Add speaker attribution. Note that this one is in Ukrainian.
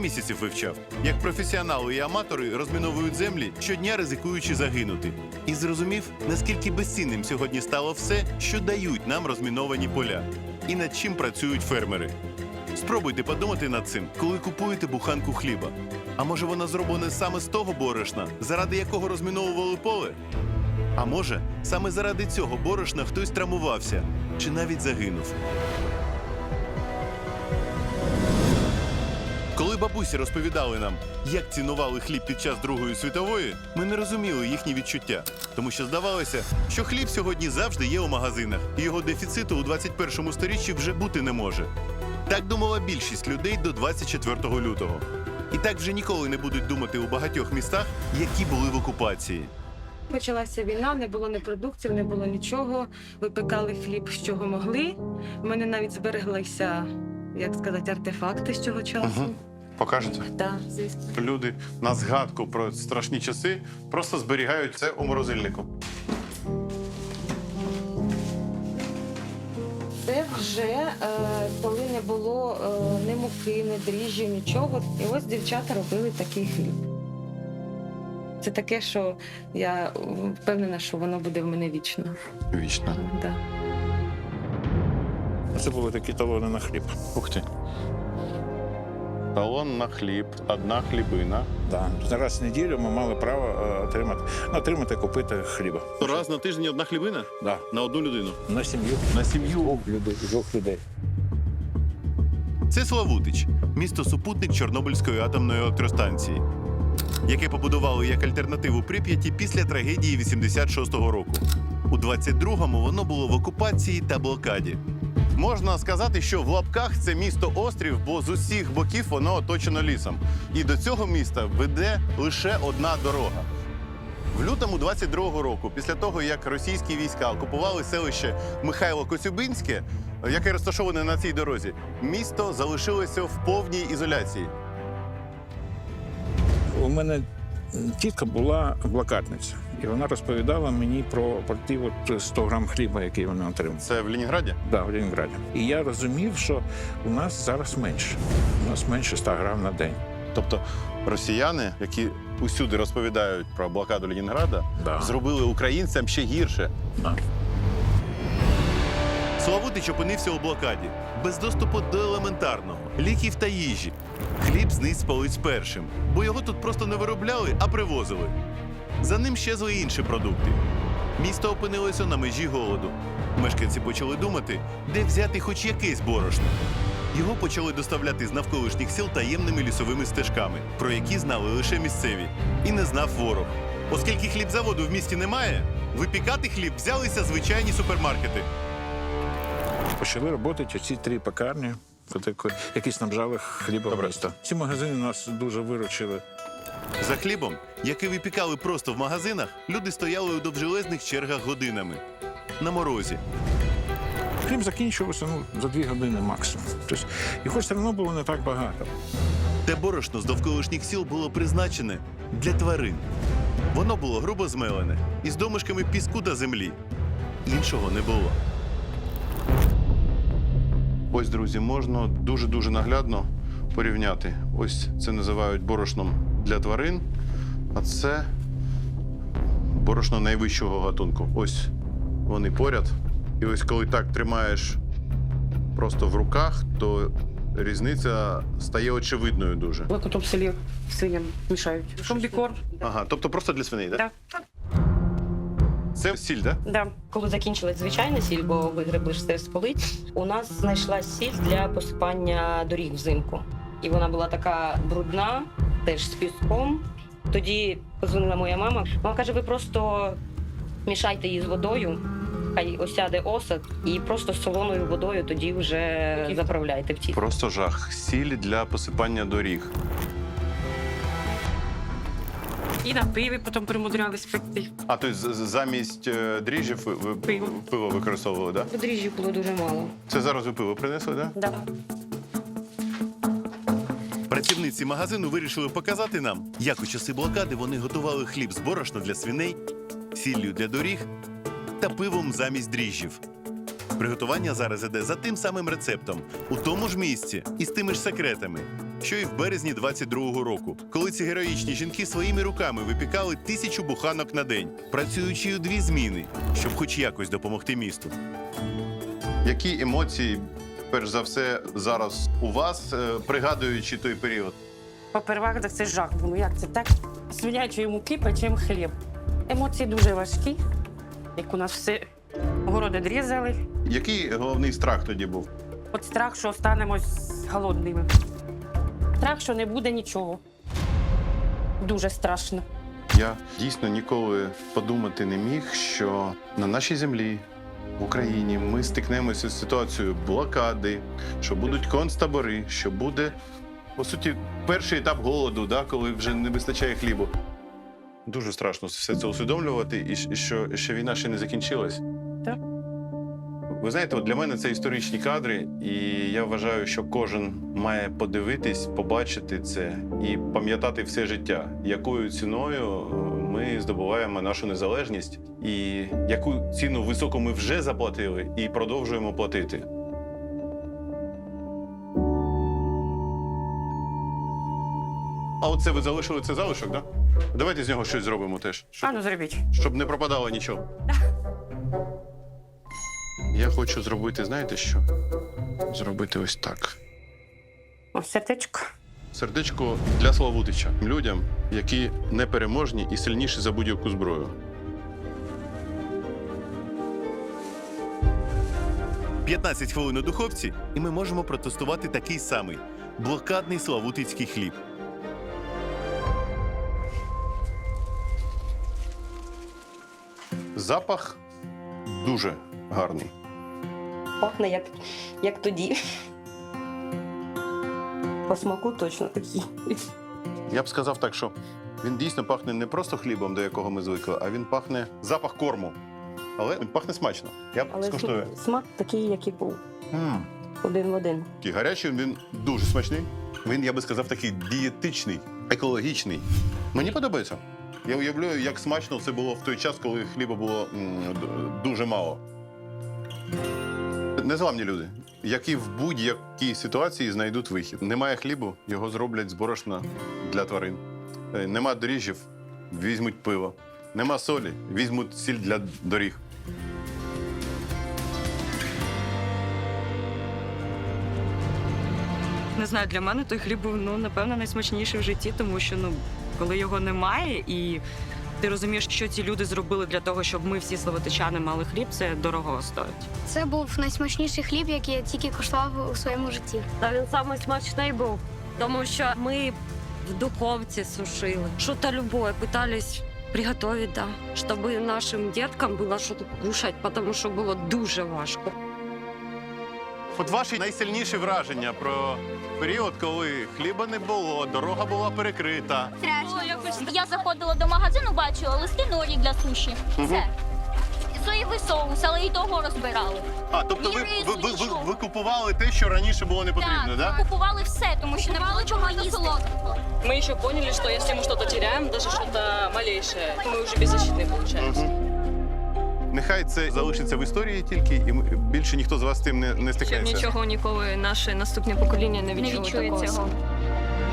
Speaker 1: місяців вивчав, як професіонали і аматори розміновують землі, щодня ризикуючи загинути. І зрозумів, наскільки безцінним сьогодні стало все, що дають нам розміновані поля. І над чим працюють фермери. Спробуйте подумати над цим, коли купуєте буханку хліба. А може вона зроблена саме з того борошна, заради якого розміновували поле? А може, саме заради цього борошна хтось травмувався чи навіть загинув? Коли бабусі розповідали нам, як цінували хліб під час Другої світової, ми не розуміли їхні відчуття. Тому що здавалося, що хліб сьогодні завжди є у магазинах, і його дефіциту у 21 сторіччі вже бути не може. Так думала більшість людей до 24 лютого. І так вже ніколи не будуть думати у багатьох містах, які були в окупації.
Speaker 2: Почалася війна, не було ні продуктів, не було нічого. Випекали хліб, з чого могли. У мене навіть збереглися, як сказати, артефакти з цього часу.
Speaker 1: Покажете?
Speaker 2: Так, звісно.
Speaker 1: Люди на згадку про страшні часи просто зберігають це у морозильнику.
Speaker 2: Це вже коли не було ні муки, ні дріжджів, нічого. І ось дівчата робили такий хліб. Це таке, що я впевнена, що воно буде в мене вічно.
Speaker 1: Вічно.
Speaker 2: Да.
Speaker 3: Це були такі талони на хліб.
Speaker 1: Ух ти. Талон на хліб, одна хлібина.
Speaker 3: Да. Раз в неділю ми мали право отримати, купити хліба.
Speaker 1: Раз на тиждень одна хлібина?
Speaker 3: Да.
Speaker 1: На одну людину?
Speaker 3: На сім'ю.
Speaker 1: На сім'ю?
Speaker 3: Двох людей.
Speaker 1: Це Славутич, місто-супутник Чорнобильської атомної електростанції, яке побудували як альтернативу Прип'яті після трагедії 86-го року. У 22-му воно було в окупації та блокаді. Можна сказати, що в лапках це місто-острів, бо з усіх боків воно оточено лісом. І до цього міста веде лише одна дорога. В лютому 22-го року, після того, як російські війська окупували селище Михайло-Коцюбинське, яке розташоване на цій дорозі, місто залишилося в повній ізоляції.
Speaker 3: У мене тітка була блокадниця. І вона розповідала мені про ті 100 грам хліба, який вони отримали.
Speaker 1: Це в Ленінграді?
Speaker 3: Так, да, в Ленінграді. І я розумів, що у нас зараз менше. У нас менше 100 грам на день.
Speaker 1: Тобто росіяни, які усюди розповідають про блокаду Ленінграда,
Speaker 3: Да.
Speaker 1: зробили українцям ще гірше.
Speaker 3: Да.
Speaker 1: Славутич опинився у блокаді, без доступу до елементарного, ліків та їжі. Хліб зниз з полиць першим, бо його тут просто не виробляли, а привозили. За ним щезли інші продукти. Місто опинилося на межі голоду. Мешканці почали думати, де взяти хоч якесь борошно. Його почали доставляти з навколишніх сіл таємними лісовими стежками, про які знали лише місцеві. І не знав ворог. Оскільки хлібзаводу в місті немає, випікати хліб взялися звичайні супермаркети.
Speaker 3: Почали працювати ці 3 пекарні, які снабжали хлібом міста. Ці магазини нас дуже виручили.
Speaker 1: За хлібом, який випікали просто в магазинах, люди стояли у довжелезних чергах годинами. На морозі.
Speaker 3: Хліб закінчувався за 2 години максимум. Тобто, його все одно було не так багато.
Speaker 1: Те борошно з довколишніх сіл було призначене для тварин. Воно було грубо змелене, із домишками піску та землі. Іншого не було. Ось, друзі, можна дуже-дуже наглядно порівняти. Ось це називають борошном для тварин, а це борошно найвищого гатунку. Ось вони поряд. І ось коли так тримаєш просто в руках, то різниця стає очевидною дуже.
Speaker 4: Ми потім в селі свиням мішають. Комбікорм.
Speaker 1: Ага, тобто просто для свиней, так?
Speaker 4: Так.
Speaker 1: Це сіль, так?
Speaker 4: Да. Коли закінчилась звичайна сіль, бо вигребли ж все з полиць, у нас знайшлась сіль для посипання доріг взимку. І вона була така брудна, теж з піском. Тоді подзвонила моя мама. Вона каже, ви просто мішайте її з водою, хай осяде осад, і просто з солоною водою тоді вже заправляйте в ті.
Speaker 1: Просто жах. Сіль для посипання доріг.
Speaker 5: І на пиві потім примудрялись пекти.
Speaker 1: А, тобто замість дріжджів ви пиво використовували, так?
Speaker 4: Дріжджів було дуже мало.
Speaker 1: Це зараз ви пиво принесли, так?
Speaker 4: Да.
Speaker 1: Працівниці магазину вирішили показати нам, як у часи блокади вони готували хліб з борошна для свиней, сіллю для доріг та пивом замість дріжджів. Приготування зараз іде за тим самим рецептом, у тому ж місці і з тими ж секретами. що і в березні 22-го року, коли ці героїчні жінки своїми руками випікали 1000 буханок на день, працюючи у 2 зміни, щоб хоч якось допомогти місту. Які емоції, перш за все, зараз у вас, пригадуючи той період?
Speaker 5: Попервах, так це жах. Ну як це так? Свинячої муки печем хліб. Емоції дуже важкі, як у нас все городи дрізали.
Speaker 1: Який головний страх тоді був?
Speaker 5: От страх, що останемось голодними. Страх, що не буде нічого. Дуже страшно.
Speaker 1: Я дійсно ніколи подумати не міг, що на нашій землі, в Україні, ми стикнемося з ситуацією блокади, що будуть концтабори, що буде, по суті, перший етап голоду, да, коли вже не вистачає хлібу. Дуже страшно все це усвідомлювати, і що війна ще не закінчилась.
Speaker 5: Так.
Speaker 1: Ви знаєте, от для мене це історичні кадри, і я вважаю, що кожен має подивитись, побачити це і пам'ятати все життя, якою ціною ми здобуваємо нашу незалежність, і яку ціну високу ми вже заплатили і продовжуємо платити. А оце ви залишили цей залишок, так? Да? Давайте з нього щось зробимо теж,
Speaker 5: А ну зробіть.
Speaker 1: щоб не пропадало нічого. Я хочу зробити, знаєте що? Зробити ось так.
Speaker 5: Ось сердечко.
Speaker 1: Сердечко для Славутича. Людям, які непереможні і сильніші за будь-яку зброю. 15 хвилин у духовці, і ми можемо протестувати такий самий блокадний славутицький хліб. Запах дуже гарний.
Speaker 4: Пахне як тоді. По смаку точно такий.
Speaker 1: Я б сказав так, що він дійсно пахне не просто хлібом, до якого ми звикли, а він пахне запах корму. Але він пахне смачно. Я б
Speaker 4: Але
Speaker 1: скуштую.
Speaker 4: смак такий, як і був. Один в один.
Speaker 1: Такий гарячий, він дуже смачний. Він, я би сказав, такий дієтичний, екологічний. Мені подобається. Я уявляю, як смачно все було в той час, коли хліба було дуже мало. Незламні люди, які в будь-якій ситуації знайдуть вихід. Немає хлібу, його зроблять з борошна для тварин. Нема дріжджів, візьмуть пиво. Нема солі, візьмуть сіль для доріг.
Speaker 6: Не знаю, для мене той хліб був, напевно, найсмачніший в житті, тому що, коли його немає, і ти розумієш, що ці люди зробили для того, щоб ми всі славутичани мали хліб, це дорого стоїть.
Speaker 7: Це був найсмачніший хліб, який я тільки куштував у своєму житті.
Speaker 8: Та він самий смачний був, тому що ми в духовці сушили. Що-то любое пытались приготовить, да, щоб нашим діткам було що кушати, тому що було дуже важко.
Speaker 1: От ваші найсильніші враження про період, коли хліба не було, дорога була перекрита.
Speaker 7: Я заходила до магазину, бачила листи норі для суші. Все. Соєвий соус, але і того розбирали.
Speaker 1: А, тобто
Speaker 7: Ні, нічого.
Speaker 1: ви купували те, що раніше було не потрібно, так?
Speaker 7: Ми купували все, тому що не було чого їсти.
Speaker 6: Мы еще поняли, что если мы что-то теряем, даже что-то малейшее, мы уже беззащитные получаемся.
Speaker 1: Нехай це залишиться в історії тільки, і більше ніхто з вас з тим не
Speaker 6: Щоб
Speaker 1: стикнеться.
Speaker 6: нічого ніколи наше наступне покоління не відчує такого.
Speaker 7: цього.